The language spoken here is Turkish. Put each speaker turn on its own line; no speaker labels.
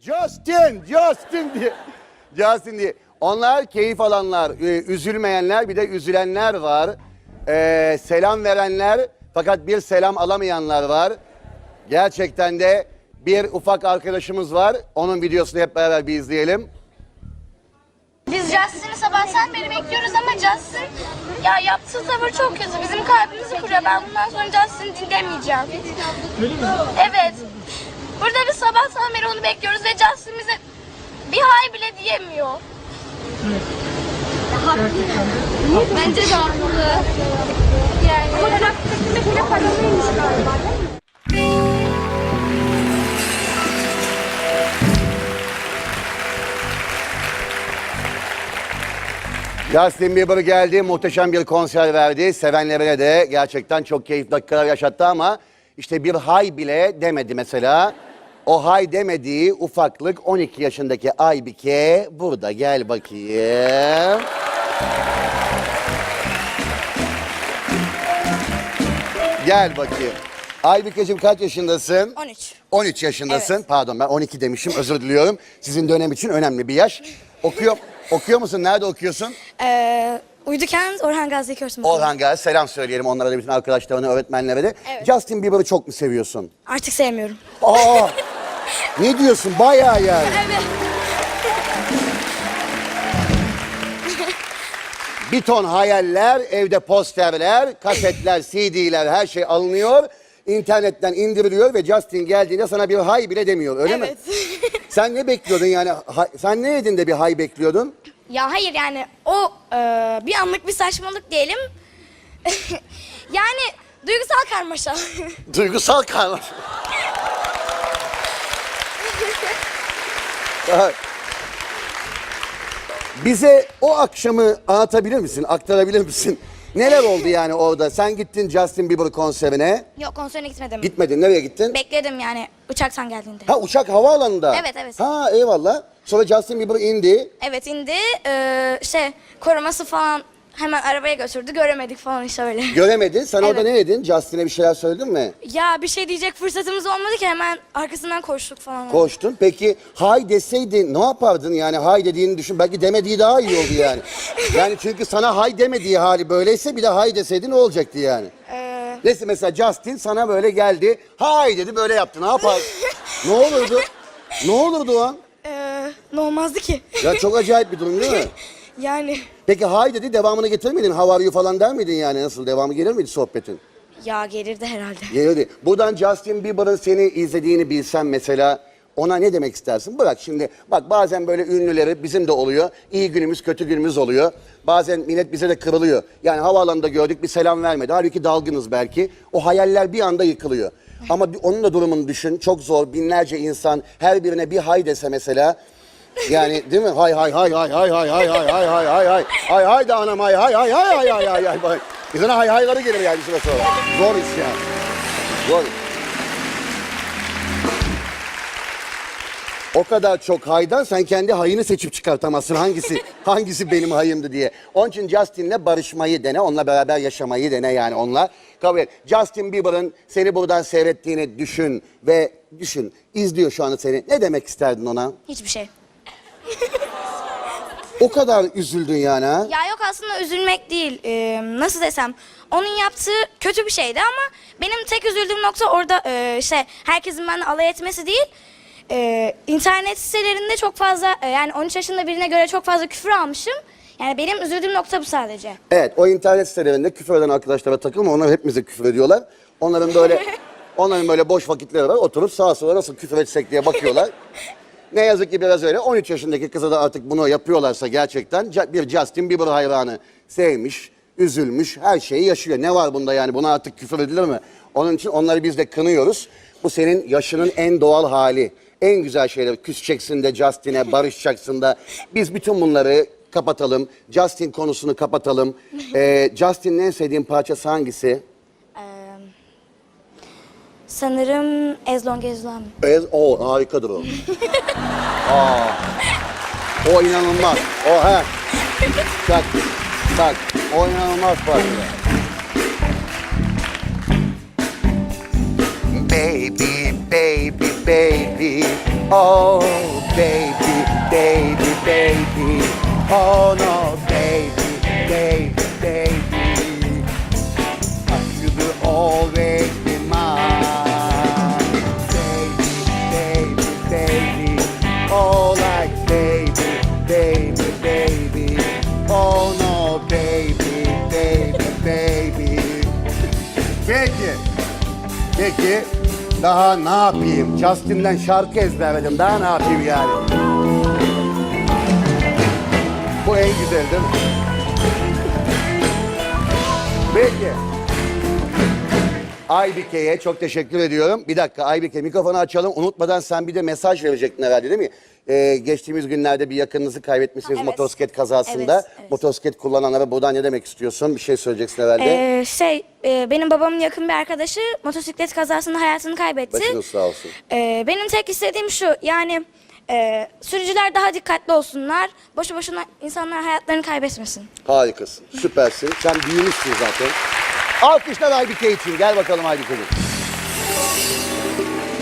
Justin diye. Justin diye. Onlar keyif alanlar, üzülmeyenler, bir de üzülenler var. Selam verenler fakat bir selam alamayanlar var. Gerçekten de bir ufak arkadaşımız var. Onun videosunu hep beraber bir izleyelim.
Biz Justin'i sabahtan beri bekliyoruz ama Justin ya yaptığı tavır çok kötü. Bizim kalbimizi kırıyor. Ben bundan sonra Justin'i dinlemeyeceğim.
Öyle mi?
Evet. Burada biz sabahtan beri onu bekliyoruz ve Justin bize bir hay bile diyemiyor.
Evet.
Bence de haklı. Yani. Ama bıraktık bile paralıymış galiba değil mi?
Justin Bieber geldi, muhteşem bir konser verdi. Sevenlerine de gerçekten çok keyifli dakikalar yaşattı ama işte bir hay bile demedi mesela. O hay demediği ufaklık 12 yaşındaki Aybike burada. Gel bakayım. Gel bakayım. Aybike'cim kaç yaşındasın?
13.
13 yaşındasın.
Evet.
Pardon ben 12 demişim, özür diliyorum. Sizin dönem için önemli bir yaş. Okuyor musun? Nerede okuyorsun?
Uyudukent Orhan Gazi Körsün Okulu.
Orhan Gazi, selam söyleyelim onlara da, bütün arkadaşlarına, öğretmenlere de.
Evet.
Justin Bieber'ı çok mu seviyorsun?
Artık sevmiyorum.
Aa! Ne diyorsun? Bayağı yani.
Evet.
Bir ton hayaller, evde posterler, kasetler, CD'ler, her şey alınıyor. İnternetten indiriliyor ve Justin geldiğinde sana bir hay bile demiyor, öyle mi?
Evet.
Sen ne bekliyordun yani? Sen ne yedin de bir hay bekliyordun?
Ya hayır yani o bir anlık bir saçmalık diyelim. Yani duygusal karmaşa.
Duygusal karmaşa. Bize o akşamı anlatabilir misin, aktarabilir misin? Neler oldu yani orada? Sen gittin Justin Bieber konserine.
Yok konserine gitmedim.
Gitmedin, nereye gittin?
Bekledim yani uçaktan geldiğinde.
Ha, uçak havaalanında.
Evet, evet.
Ha, eyvallah. Sonra Justin Bieber indi.
Evet indi. Koruması falan hemen arabaya götürdü. Göremedik falan işte öyle.
Göremedin. Sen orada
Evet.
ne dedin? Justin'e bir şeyler söyledin mi?
Ya bir şey diyecek fırsatımız olmadı ki hemen arkasından koştuk falan.
Koştun. Peki hay deseydin ne yapardın yani? Hay dediğini düşün. Belki demediği daha iyi oldu yani. Yani çünkü sana hay demediği hali böyleyse bir de hay deseydin ne olacaktı yani? Neyse mesela Justin sana böyle geldi. Hay dedi, böyle yaptı. Ne yapar? Ne olurdu? Ne olurdu o an?
Ne olmazdı ki?
Ya çok acayip bir durum değil mi?
Yani
Peki hay dedi, devamını getirir miydin? How are you falan der miydin yani? Nasıl, devamı gelir miydi sohbetin?
ya gelirdi herhalde.
Gelirdi. Buradan Justin Bieber'ın seni izlediğini bilsen mesela ona ne demek istersin? Bırak şimdi, bak bazen böyle ünlüleri, bizim de oluyor. İyi günümüz, kötü günümüz oluyor. Bazen millet bize de kırılıyor. Yani havaalanında gördük, bir selam vermedi. Halbuki dalgınız belki. O hayaller bir anda yıkılıyor. Ama onun da durumunu düşün. Çok zor. Binlerce insan her birine bir hay dese mesela. Yani değil mi? Hay hay hay hay hay hay hay hay hay hay hay hay hay hay da anam hay hay hay hay hay hay hay hay. İnsana hay hayları gelir yani bir süre sonra. Zor iş yani. Zor. O kadar çok haydan sen kendi hayını seçip çıkartamazsın. Hangisi benim hayımdı diye. Onun için Justin'le barışmayı dene, onunla beraber yaşamayı dene yani onunla. Kabul et. Justin Bieber'ın seni buradan seyrettiğini düşün ve izliyor şu anda seni. Ne demek isterdin ona?
Hiçbir şey.
O kadar üzüldün yani ha?
Ya yok aslında üzülmek değil. Nasıl desem onun yaptığı kötü bir şeydi ama benim tek üzüldüğüm nokta orada herkesin benden alay etmesi değil. İnternet sitelerinde çok fazla yani 13 yaşında birine göre çok fazla küfür almışım. Yani benim üzüldüğüm nokta bu sadece.
Evet, o internet sitelerinde küfür eden arkadaşlara takılma. Onlar hepimize küfür ediyorlar. Onların böyle boş vakitleri var. Oturup sağa sola nasıl küfür etsek diye bakıyorlar. Ne yazık ki biraz öyle. 13 yaşındaki kıza da artık bunu yapıyorlarsa gerçekten bir Justin Bieber hayranı sevmiş, üzülmüş, her şeyi yaşıyor. Ne var bunda yani? Buna artık küfür edilir mi? Onun için onları biz de kınıyoruz. Bu senin yaşının en doğal hali. En güzel şeyler. Küseceksin de Justin'e, barışacaksın da. Biz bütün bunları kapatalım. Justin konusunu kapatalım. Justin'in en sevdiğin parçası hangisi?
Sanırım As Long As You Love Me.
O harikadır o. O inanılmaz. O he. Bak. O inanılmaz parça. Baby, baby, baby. Oh baby, baby, baby. Oh no, baby, baby, baby. You will always be mine. Baby, baby, baby. Oh like baby, baby, baby. Oh no, baby, baby, baby. Peki. Daha ne yapayım? Justin'den şarkı ezberledim. Daha ne yapayım yani? Bu en güzel değil mi? Peki. Aybike'ye çok teşekkür ediyorum. Bir dakika Aybike mikrofonu açalım. Unutmadan sen bir de mesaj verecektin herhalde değil mi? Geçtiğimiz günlerde bir yakınınızı kaybetmişsiniz
Evet.
motosiklet kazasında.
Evet.
Motosiklet kullananlara buradan ne demek istiyorsun? Bir şey söyleyeceksin herhalde.
Benim babamın yakın bir arkadaşı motosiklet kazasında hayatını kaybetti.
Başınız sağ olsun.
Benim tek istediğim şu, yani sürücüler daha dikkatli olsunlar. Boşu boşuna insanlar hayatlarını kaybetmesin.
Harikasın, süpersin. Sen büyümüşsün zaten. Alkışlar Aybike için. Gel bakalım Aybike'ciğim.